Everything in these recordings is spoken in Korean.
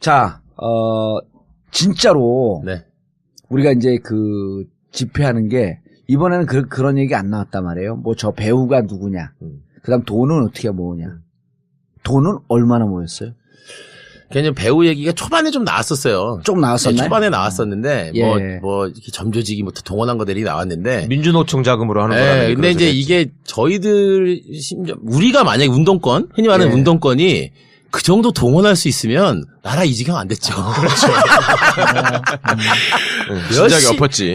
자, 진짜로 네. 우리가 이제 그 집회하는 게 이번에는 그런 얘기 안 나왔단 말이에요. 뭐 저 배우가 누구냐. 그다음 돈은 어떻게 모으냐. 돈은 얼마나 모였어요? 그냥 배우 얘기가 초반에 좀 나왔었어요. 좀 나왔었나요? 네, 초반에 나왔었는데 예. 뭐 이렇게 점조직이부터 동원한 것들이 나왔는데 민주노총 자금으로 하는 네, 거라는. 근데 이제 이게 저희들 심지어 우리가 만약에 운동권 흔히 말하는 예. 운동권이 그 정도 동원할 수 있으면 나라 이 지경 안 됐죠. 그렇죠. 진작에 엎었지.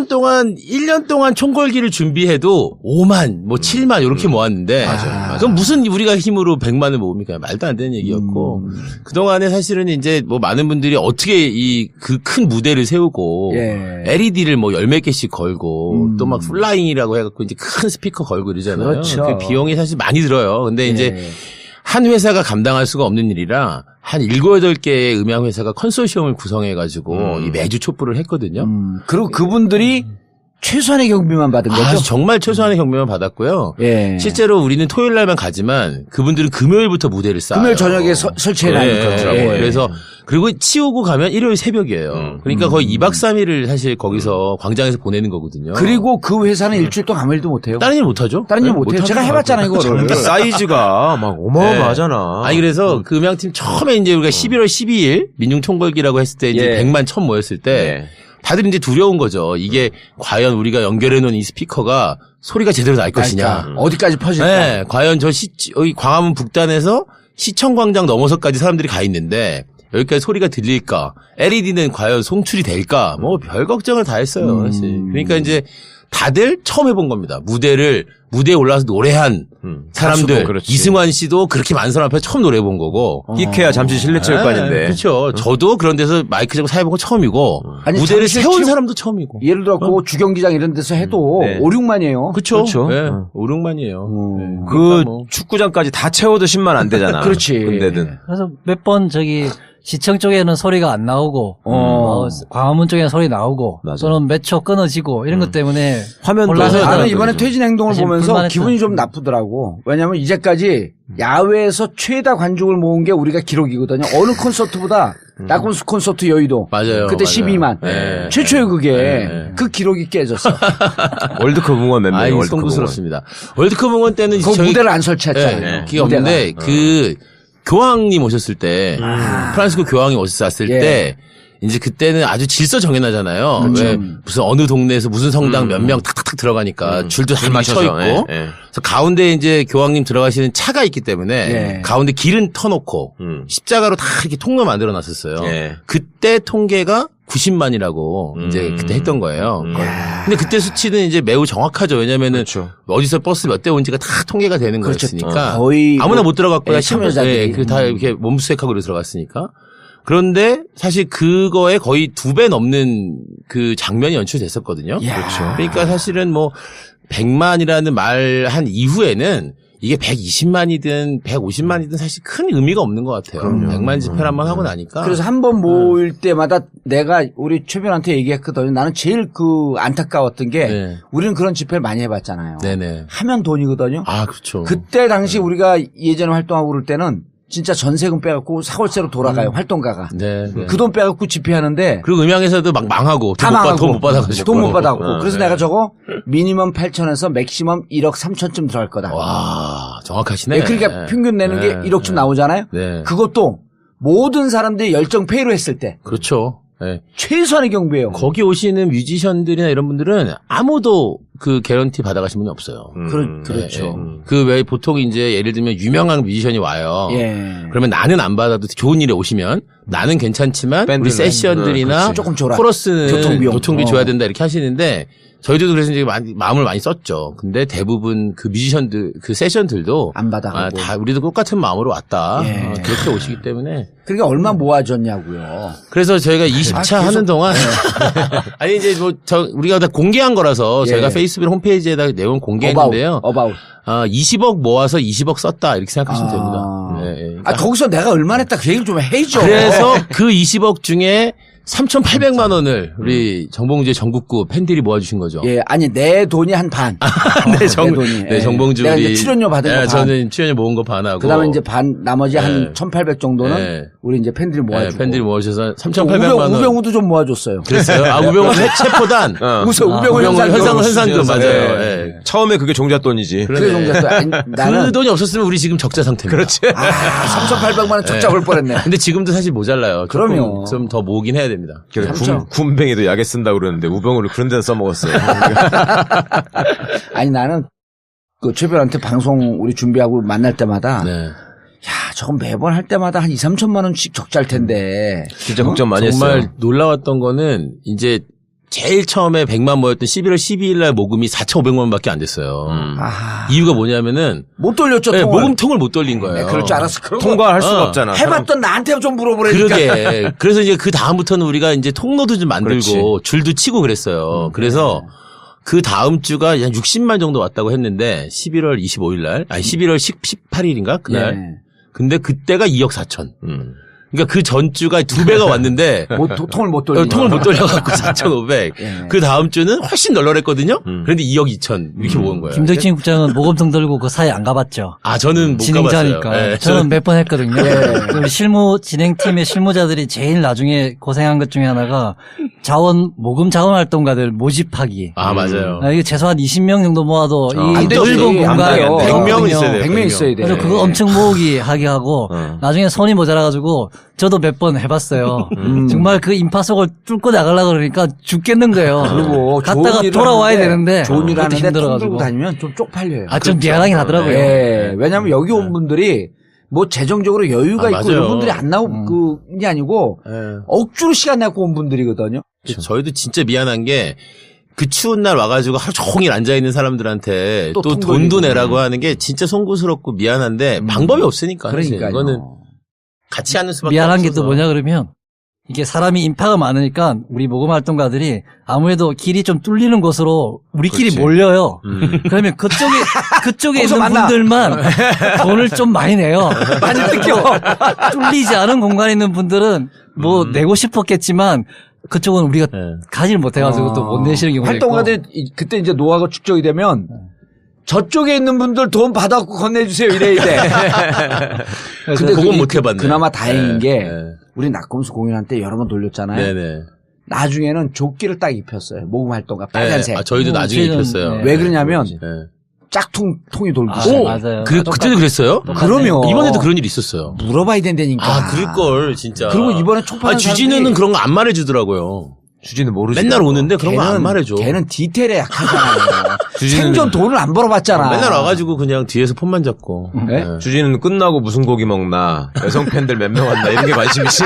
1년 동안 총궐기를 준비해도 5만, 뭐 7만 이렇게 모았는데 그럼 무슨 우리가 힘으로 100만을 모읍니까? 말도 안 되는 얘기였고 그동안에 사실은 이제 뭐 많은 분들이 어떻게 이 그 큰 무대를 세우고 예. LED를 뭐 열 몇 개씩 걸고 또 막 플라잉이라고 해갖고 이제 큰 스피커 걸고 이러잖아요. 그렇죠. 그 비용이 사실 많이 들어요. 근데 이제 한 회사가 감당할 수가 없는 일이라 한 7, 8개의 음향 회사가 컨소시엄을 구성해가지고 이 매주 촛불을 했거든요. 그리고 그분들이 최소한의 경비만 받은 거죠? 정말 최소한의 경비만 받았고요. 예. 실제로 우리는 토요일 날만 가지만 그분들은 금요일부터 무대를 쌓아요. 금요일 저녁에 설치해놔니까. 예. 그래서 그리고 치우고 가면 일요일 새벽이에요. 그러니까 거의 2박 3일을 사실 거기서 광장에서 보내는 거거든요. 그리고 그 회사는 일주일 동안 아무 일도 못해요. 다른 일 못하죠. 다른 일 못해요. 제가 해봤잖아요, 이거를. 사이즈가 막 어마어마하잖아. 아니 그래서 그 음향팀 처음에 이제 우리가 11월 12일 민중총궐기라고 했을 때 이제 100만 천 모였을 때 다들 이제 두려운 거죠. 이게 과연 우리가 연결해 놓은 이 스피커가 소리가 제대로 날 것이냐. 어디까지 퍼질까? 네, 과연 여기 광화문 북단에서 시청광장 넘어서까지 사람들이 가 있는데 여기까지 소리가 들릴까? LED는 과연 송출이 될까? 뭐 별 걱정을 다 했어요, 사실. 그러니까 이제 다들 처음 해본 겁니다. 무대에 올라와서 노래한 사람들. 그렇지. 이승환 씨도 그렇게 많은 사람 앞에 처음 노래해본 거고. 끼케야 잠시 실내 체육관인데. 그렇죠. 저도 그런 데서 마이크 잡고 사회본 거 처음이고. 아니, 무대를 잠실 세운 체육- 사람도 처음이고. 예를 들어, 그 주경기장 이런 데서 해도 네. 5, 6만이에요. 그렇죠. 그렇죠. 네, 5, 6만이에요. 네. 그 그러니까 뭐. 축구장까지 다 채워도 10만 안 되잖아. 그렇지. 근데든. 그래서 몇 번 시청 쪽에는 소리가 안 나오고, 광화문 쪽에는 소리 나오고, 맞아. 또는 몇 초 끊어지고, 이런 것 때문에. 화면도 혼란을 나는 나는 이번에 퇴진 행동을 사실 보면서 불만했던- 기분이 좀 나쁘더라고. 왜냐면 이제까지 야외에서 최다 관중을 모은 게 우리가 기록이거든요. 어느 콘서트보다 나콘스 콘서트 여의도. 맞아요. 그때 맞아요. 12만. 네. 최초의 그게. 네. 그 기록이 깨졌어. 월드컵 응원 몇 명이 월드컵 송구스럽습니다. 월드컵 응원 때는 그 무대를 안 설치했잖아요. 네, 그게 없는데 그 교황님 오셨을 때 프란시스코 교황이 오셨을 예. 때 이제 그때는 아주 질서 정연하잖아요. 그렇죠. 왜 무슨 어느 동네에서 무슨 성당 몇 명 탁탁탁 들어가니까 줄도 다 맞춰 있고. 그래서 가운데 이제 교황님 들어가시는 차가 있기 때문에 예. 가운데 길은 터놓고 십자가로 다 이렇게 통로 만들어 놨었어요. 예. 그때 통계가 90만이라고 이제 그때 했던 거예요. 근데 그때 수치는 이제 매우 정확하죠. 왜냐면은 그렇죠. 어디서 버스 몇 대 온지가 다 통계가 되는 그렇죠. 거였으니까 거의 아무나 뭐- 못 들어갔고요. 예, 참여자들이. 다 이렇게 몸수색하고 들어갔으니까. 그런데 사실 그거에 거의 2배 넘는 그 장면이 연출됐었거든요. 그렇죠. 그러니까 사실은 뭐 100만이라는 말 한 이후에는 이게 120만이든 150만이든 사실 큰 의미가 없는 것 같아요. 100만 집회를 한번 하고 나니까. 그래서 한 번 모일 때마다 내가 우리 최변한테 얘기했거든요. 나는 제일 안타까웠던 게 네. 우리는 그런 집회를 많이 해봤잖아요. 네네. 하면 돈이거든요. 아, 그렇죠. 그때 당시 우리가 예전에 활동하고 그럴 때는 진짜 전세금 빼갖고 사월세로 돌아가요. 활동가가. 네. 네. 그 돈 빼갖고 집회하는데 그리고 음향에서도 막 망하고 다 망하고 돈 못 받아가지고. 돈 못 받아갖고. 그래서 네. 내가 저거 미니멈 8천에서 맥시멈 1억 3천쯤 들어갈 거다. 와, 정확하시네. 네, 그러니까 평균 내는 게 1억쯤 나오잖아요. 네. 그것도 모든 사람들이 열정 페이로 했을 때 그렇죠. 네. 최소한의 경비예요. 거기 오시는 뮤지션들이나 이런 분들은 아무도 그 개런티 받아가신 분이 없어요. 그렇죠. 그 외에 보통 이제 예를 들면 유명한 뮤지션이 와요. 예. 그러면 나는 안 받아도 좋은 일에 오시면 나는 괜찮지만 우리 밴드는, 세션들이나 그렇지. 조금 줘라. 코러스는 교통비용. 교통비 줘야 된다 이렇게 하시는데 저희들도 그래서 이제 마음을 많이 썼죠. 근데 대부분 그 뮤지션들, 그 세션들도 안 받아가고. 다 우리도 똑같은 마음으로 왔다. 예. 그렇게 오시기 때문에. 그러니까 얼마 모아졌냐고요. 그래서 저희가 20차 하는 동안 아니 이제 뭐 우리가 다 공개한 거라서 예. 저희가 페이스북 홈페이지에다 내용 공개했는데요. 어바웃. 20억 모아서 20억 썼다 이렇게 생각하시면 됩니다. 네, 예. 거기서 내가 얼마 냈다 그 얘기를 좀 해야죠. 그래서 그 20억 중에 3,800만 원을 우리 정봉주의 전국구 팬들이 모아주신 거죠. 예, 아니 내 돈이 한 반. 네, 내 돈이. 네, 정봉주 내가 우리 이제 출연료 받은 거 반. 저는 출연료 모은 거 반하고. 그다음에 이제 반 나머지 한 1,800 정도는 네. 우리 이제 팬들이 모아주고. 팬들이 모아주셔서 3,800만 원. 우병우도 좀 모아줬어요. 그랬어요. 아, 우병우 체포단. 우병우 현상금 맞아요. 네. 예. 처음에 그게 종잣돈이지. 그게 종잣돈. 아니, 나는 그 돈이 없었으면 우리 지금 적자 상태입니다. 그렇지. 3,800만 원 적자 올 뻔했네. 근데 지금도 사실 모자라요. 그럼요. 좀 더 모으긴 해야 됩니다. 그래서 그렇죠. 군뱅이도 약에 쓴다고 그러는데 우병우를 그런 데서 써먹었어요. 아니 나는 그 최별한테 방송 우리 준비하고 만날 때마다 네. 야, 저건 매번 할 때마다 한 2, 3천만 원씩 적자일 텐데. 진짜 걱정 많이 정말 했어요. 놀라웠던 거는 이제 제일 처음에 100만 모였던 11월 12일 날 모금이 4,500만 원밖에 안 됐어요. 아, 이유가 뭐냐면은 못 돌렸죠, 네, 통을. 모금통을 못 돌린 거예요. 네, 그럴 줄 알았어. 그런 거 통과할 수가 없잖아. 해봤던 나한테 좀 물어보라니까. 그러게. 그래서 이제 그 다음부터는 우리가 이제 통로도 좀 만들고 그렇지. 줄도 치고 그랬어요. 그래서 그 다음 주가 한 60만 정도 왔다고 했는데 11월 25일 날, 아니 11월 18일인가 그날. 예. 근데 그때가 2억 4천. 그러니까 그 전주가 2배가 왔는데 통을 못 돌리니까. 통을 못 돌려갖고 4,500. 예. 그 다음 주는 훨씬 널널했거든요. 그런데 2억 2천 이렇게 모은 거예요. 김덕진 국장은 모금통 들고 그 사이 안 가봤죠. 아 저는 못 진행자니까. 가봤어요. 네, 저는 몇 번 했거든요. 우리 진행팀의 실무자들이 제일 나중에 고생한 것 중에 하나가 모금 자원 활동가들 모집하기. 아 맞아요. 이게 최소한 20명 정도 모아도 안 이 되지. 넓은 안 공간에 돼요. 100명은 있어야 돼요. 100명 있어야 돼. 그래서 그거 엄청 모으기 하게 하고 나중에 손이 모자라가지고 저도 몇 번 해봤어요. 정말 그 인파 속을 뚫고 나가려고 그러니까 죽겠는 거예요. 그리고 갔다가 좋은 일을 돌아와야 하는데 되는데 좋은 일 그것도 하는데 통 들고 힘들어가지고. 다니면 좀 쪽팔려요. 아, 좀 미안하긴 하더라고요. 예. 왜냐하면 여기 온 분들이 뭐 재정적으로 여유가 아, 있고 맞아요. 이런 분들이 안 나오고 그게 아니고 억지로 시간 내고 온 분들이거든요. 저희도 진짜 미안한 게 그 추운 날 와가지고 하루 종일 앉아있는 사람들한테 또 또 통 돈도 돌리고. 내라고 하는 게 진짜 송구스럽고 미안한데 방법이 없으니까. 사실. 그러니까요. 이거는 같이 하는 수밖에 미안한 게 없어서. 또 뭐냐 그러면 이게 사람이 인파가 많으니까 우리 모금 활동가들이 아무래도 길이 좀 뚫리는 곳으로 우리끼리 그렇지. 몰려요. 그러면 그쪽에 거기서 있는 만나. 분들만 돈을 좀 많이 내요. 많이 뜯겨. 뚫리지 않은 공간에 있는 분들은 뭐 내고 싶었겠지만 그쪽은 우리가 네. 가지를 못해가지고 또 못 내시는 경우가 있고. 활동가들 그때 이제 노하우가 축적이 되면 저쪽에 있는 분들 돈 받아갖고 건네주세요 이래야 돼. 근데 그건 못 해봤네. 그나마 다행인 게 네. 우리 낙검수 공연할 때 여러 번 돌렸잖아요. 네네. 나중에는 조끼를 딱 입혔어요. 모금 활동가 빨간색. 네. 아, 저희도 나중에 저희는, 입혔어요. 네. 왜 그러냐면 네. 짝퉁통이 돌기 아, 시작해요. 맞아요. 그때도 그랬어요? 그러면 이번에도 그런 일이 있었어요. 물어봐야 된다니까. 아, 그럴걸, 진짜. 그리고 이번에 촉발한 주진우는 사람들이- 그런 거 안 말해주더라고요. 주진은 모르지. 맨날 오는데 그런 거 안 말해줘. 걔는 디테일에 약하잖아요. 주진우는- 생전 돈을 안 벌어봤잖아. 맨날 와가지고 그냥 뒤에서 폰만 잡고. 네? 네. 주진은 끝나고 무슨 고기 먹나, 여성 팬들 몇 명 왔나 이런 게 관심이지.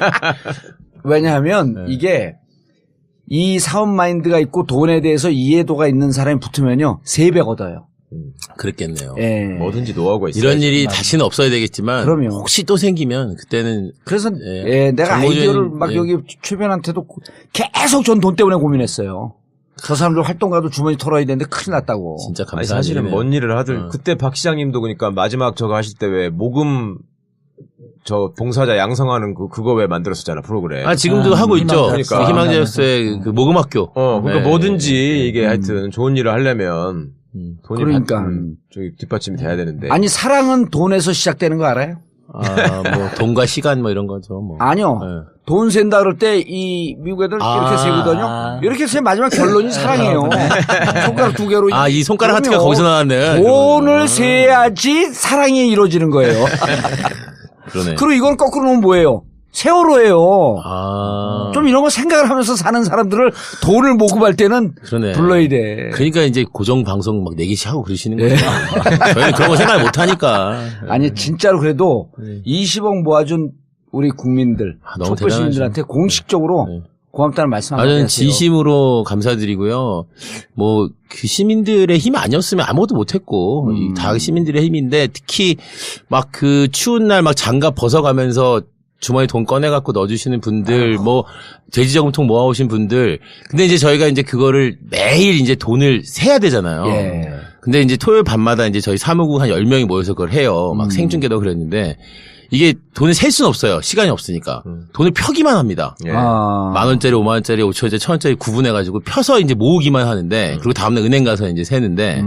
왜냐하면 이게 이 사업 마인드가 있고 돈에 대해서 이해도가 있는 사람이 붙으면요 3배 얻어요. 그랬겠네요. 예. 뭐든지 노하우가 있어. 이런 일이 다시는 없어야 되겠지만. 그럼요. 혹시 또 생기면 그때는. 그래서 예. 예, 내가 정보전이- 아이디어를 막 예. 여기 최변한테도 계속 전 돈 때문에 고민했어요. 저 사람들 활동가도 주머니 털어야 되는데 큰일 났다고. 진짜 아니, 감사한 사실은 일이네요. 뭔 일을 하든 그때 박 시장님도 그러니까 마지막 저거 하실 때 왜 모금 저 봉사자 양성하는 그거 왜 만들었었잖아 프로그램. 아, 지금도 하고 있죠. 그러니까. 희망자였어의 그 모금학교. 그러니까 네. 뭐든지 이게 하여튼 좋은 일을 하려면 돈이 그러니까. 저기 뒷받침이 돼야 되는데. 아니 사랑은 돈에서 시작되는 거 알아요? 아, 뭐, 돈과 시간 뭐 이런 거죠. 뭐. 아니요. 네. 돈 센다 그럴 때 이 미국 애들 이렇게 세거든요. 이렇게 세 마지막 결론이 사랑이에요. 손가락 2개로. 아, 이 손가락 하트가 그럼요. 거기서 나왔네. 돈을 세야지 사랑이 이루어지는 거예요. 그러네. 그리고 이건 거꾸로 놓으면 뭐예요? 세월호예요. 아. 좀 이런 거 생각을 하면서 사는 사람들을 돈을 모금할 때는 그러네. 불러야 돼. 그러니까 이제 고정 방송 막 4개씩 하고 그러시는 거예요. 저희는 그런 거 생각 못 하니까. 아니 진짜로 그래도 20억 모아준 우리 국민들, 아, 너무 촛불 시민들한테 공식적으로 네. 고맙다는 말씀 아, 한번 저는 하세요. 진심으로 감사드리고요. 뭐, 그 시민들의 힘 아니었으면 아무것도 못했고, 다 시민들의 힘인데, 특히 막 그 추운 날 막 장갑 벗어가면서 주머니 돈 꺼내갖고 넣어주시는 분들, 뭐, 돼지저금통 모아오신 분들. 근데 이제 저희가 이제 그거를 매일 이제 돈을 세야 되잖아요. 예. 근데 이제 토요일 밤마다 이제 저희 사무국 한 10명이 모여서 그걸 해요. 막 생중계도 그랬는데, 이게 돈을 셀 수는 없어요. 시간이 없으니까. 돈을 펴기만 합니다. 예. 아. 10,000원짜리, 50,000원짜리, 5,000원짜리, 1,000원짜리 구분해가지고 펴서 이제 모으기만 하는데, 그리고 다음날 은행 가서 이제 세는데,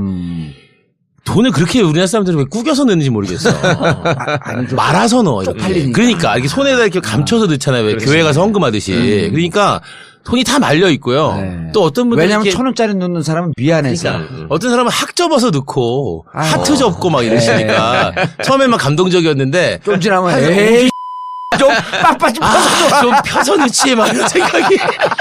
돈을 그렇게 우리나라 사람들은 왜 꾸겨서 넣는지 모르겠어. 아니, 좀 말아서 넣어. 이렇게. 쪽팔리니까. 그러니까 이렇게 손에다 이렇게 감춰서 넣잖아요. 왜 교회 가서 헌금하듯이. 그러니까 돈이 다 말려 있고요. 네. 또 어떤 분들은 왜냐면 이렇게 1,000원짜리 넣는 사람은 미안해서. 어떤 사람은 학 접어서 넣고 하트 접고 막 네. 이러시니까 처음엔 막 감동적이었는데 좀 지나면 에이 좀 빡빡이 펴서 좀 펴서 넣지 막 이런 생각이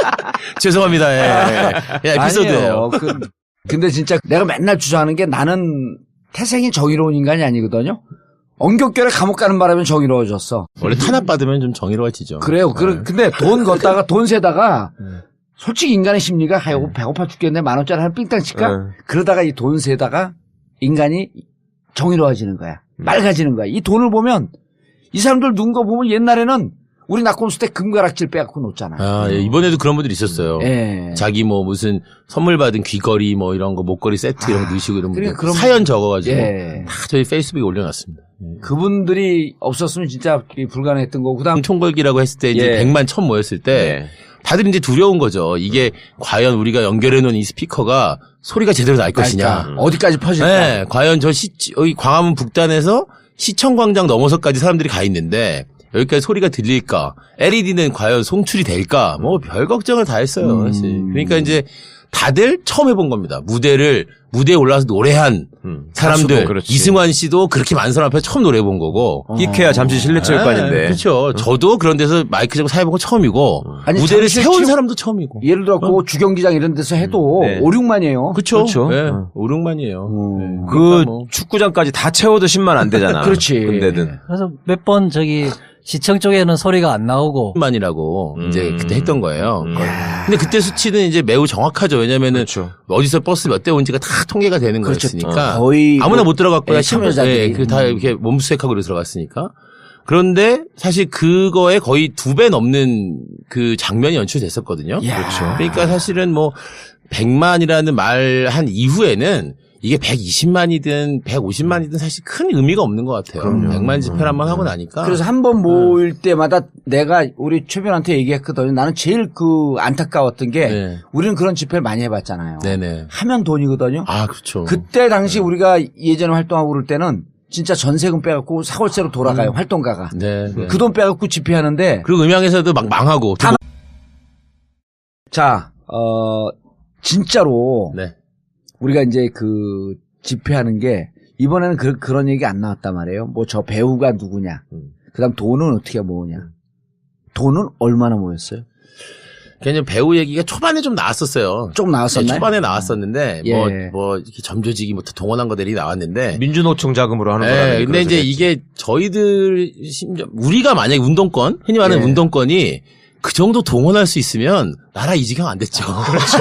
죄송합니다. 예. 예, 에피소드예요. 아니에요. 근데 진짜 내가 맨날 주장하는 게 나는 태생이 정의로운 인간이 아니거든요. 엉겹결에 감옥 가는 바람에 정의로워졌어. 원래 탄압 받으면 좀 정의로워지죠. 그래요. 근데 돈 걷다가 돈 세다가 솔직히 인간의 심리가 아이고 배고파 죽겠네 10,000원짜리 하나 삥땅 칠까? 그러다가 이 돈 세다가 인간이 정의로워지는 거야. 맑아지는 거야. 이 돈을 보면 이 사람들 눈 거 보면 옛날에는 우리 낙곰수 때 금가락질 빼갖고 놓잖아요. 아, 예, 이번에도 그런 분들이 있었어요. 예. 자기 뭐 무슨 선물 받은 귀걸이 뭐 이런 거 목걸이 세트 이런 거 넣으시고 이런 분들 그럼- 사연 적어가지고 예. 다 저희 페이스북에 올려놨습니다. 그분들이 없었으면 진짜 불가능했던 거고 그다음 총궐기라고 했을 때 이제 예. 100만 1,000 모였을 때 다들 이제 두려운 거죠. 이게 과연 우리가 연결해 놓은 이 스피커가 소리가 제대로 날 것이냐. 그러니까 어디까지 퍼질까? 네, 과연 여기 광화문 북단에서 시청광장 넘어서까지 사람들이 가 있는데 여기까지 소리가 들릴까? LED는 과연 송출이 될까? 뭐 별 걱정을 다 했어요. 사실. 그러니까 이제 다들 처음 해본 겁니다. 무대에 올라와서 노래한 사람들. 가수도 그렇지. 이승환 씨도 그렇게 많은 사람 앞에 처음 노래해 본 거고. 끼케야 잠시 실내체육관인데. 그렇죠. 저도 그런 데서 마이크 잡고 사회본 거 처음이고. 아니, 무대를 잠실 세운 체육- 사람도 처음이고. 예를 들어 주경기장 이런 데서 해도 네. 5, 6만이에요. 그렇죠. 그렇죠. 네, 5, 6만이에요. 네. 그 그러니까 뭐. 축구장까지 다 채워도 10만 안 되잖아. 그렇지. 근데든. 그래서 몇 번 시청 쪽에는 소리가 안 나오고 만이라고 이제 그때 했던 거예요. 음. 근데 그때 수치는 이제 매우 정확하죠. 왜냐면은 그렇죠. 어디서 버스 몇 대 온지가 다 통계가 되는 그렇죠. 거였으니까 거의 아무나 뭐- 못 들어갔거나 예, 참여자들이. 다 이렇게 몸수색하고 들어갔으니까. 그런데 사실 그거에 거의 2배 넘는 그 장면이 연출됐었거든요. 그렇죠. 그러니까 사실은 뭐 100만이라는 말 한 이후에는 이게 120만이든 150만이든 사실 큰 의미가 없는 것 같아요. 100만 집회를 한번 하고 나니까. 그래서 한 번 모일 때마다 내가 우리 최변한테 얘기했거든요. 나는 제일 안타까웠던 게 네. 우리는 그런 집회를 많이 해봤잖아요. 네네. 하면 돈이거든요. 아, 그렇죠. 그때 당시 우리가 예전에 활동하고 그럴 때는 진짜 전세금 빼갖고 사골세로 돌아가요. 활동가가. 네. 네. 그 돈 빼갖고 집회하는데 그리고 음향에서도 막 망하고. 자, 진짜로 네. 우리가 이제 집회하는 게 이번에는 그런 얘기 안 나왔단 말이에요. 뭐 저 배우가 누구냐. 그다음 돈은 어떻게 모으냐. 돈은 얼마나 모였어요? 그냥 배우 얘기가 초반에 좀 나왔었어요. 좀 나왔었나요? 네, 초반에 나왔었는데 예. 뭐 이렇게 점조직이 뭐 동원한 것들이 나왔는데. 민주노총 자금으로 하는 거라. 네, 근데 이제 이게 저희들 심지어 우리가 만약에 운동권 흔히 말하는 예. 운동권이 그 정도 동원할 수 있으면 나라 이 지경 안 됐죠. 그렇죠.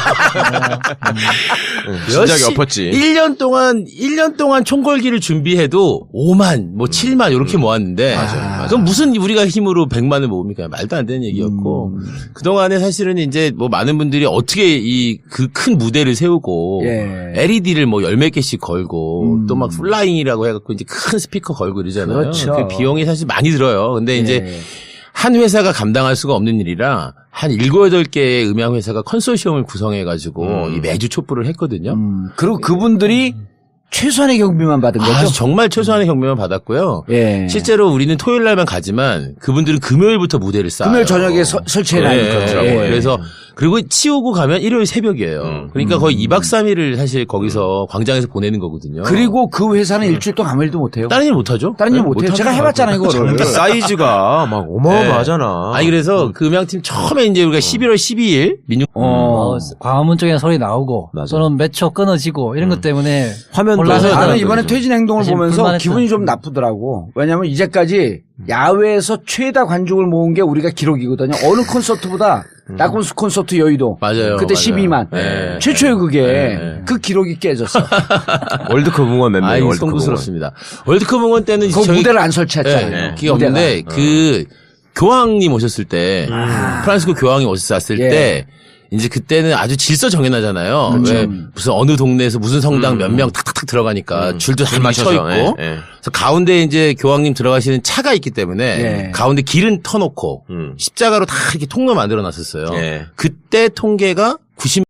진작에 엎었지. 1년 동안 총궐기를 준비해도 5만, 뭐 7만 이렇게 모았는데 그럼 무슨 우리가 힘으로 100만을 모읍니까? 말도 안 되는 얘기였고 그동안에 사실은 이제 뭐 많은 분들이 어떻게 그 큰 무대를 세우고 예. LED를 뭐 10몇 개씩 걸고 또 막 플라잉이라고 해갖고 이제 큰 스피커 걸고 이러잖아요. 그렇죠. 그 비용이 사실 많이 들어요. 근데 이제 예. 한 회사가 감당할 수가 없는 일이라 한 7, 8개의 음향회사가 컨소시엄을 구성해가지고 이 매주 촛불을 했거든요. 그리고 그분들이 최소한의 경비만 받은 거죠. 아, 정말 최소한의 경비만 받았고요. 예. 실제로 우리는 토요일 날만 가지만 그분들은 금요일부터 무대를 쌓아요. 금요일 저녁에 설치해놔니까. 예. 그래서 그리고 치우고 가면 일요일 새벽이에요. 그러니까 거의 2박 3일을 사실 거기서 광장에서 보내는 거거든요. 그리고 그 회사는 일주일 동안 아무 일도 못해요. 다른 일 못하죠? 다른 일 네, 못해요. 못하죠. 제가 해봤잖아요, 이거를. 장비 사이즈가 막 어마어마하잖아. 아니 그래서 그 음향팀 처음에 이제 우리가 11월 12일 민중 광화문 쪽에 소리 나오고 맞아. 또는 몇 초 끊어지고 이런 것 때문에 화면도 혼란을 나는 하더라고요. 이번에 퇴진 행동을 사실 보면서 불만했던. 기분이 좀 나쁘더라고. 왜냐하면 이제까지 야외에서 최다 관중을 모은 게 우리가 기록이거든요. 어느 콘서트보다 낙원수 콘서트 여의도. 맞아요. 그때 맞아요. 12만. 네. 최초의 그게 네. 그 기록이 깨졌어. 월드컵 응원 몇 명이 아이 월드컵 응원. 송구스럽습니다. 월드컵 응원 때는 그 저희 무대를 안 설치했잖아요. 기가 없는데 그 교황님 오셨을 때 프란시스코 교황이 오셨을 예. 때 이제 그때는 아주 질서 정연하잖아요. 그렇죠. 왜 무슨 어느 동네에서 무슨 성당 몇 명 탁탁탁 들어가니까 줄도 다 맞춰 있고. 예. 그래서 가운데 이제 교황님 들어가시는 차가 있기 때문에 예. 가운데 길은 터놓고 십자가로 다 이렇게 통로 만들어 놨었어요. 예. 그때 통계가 90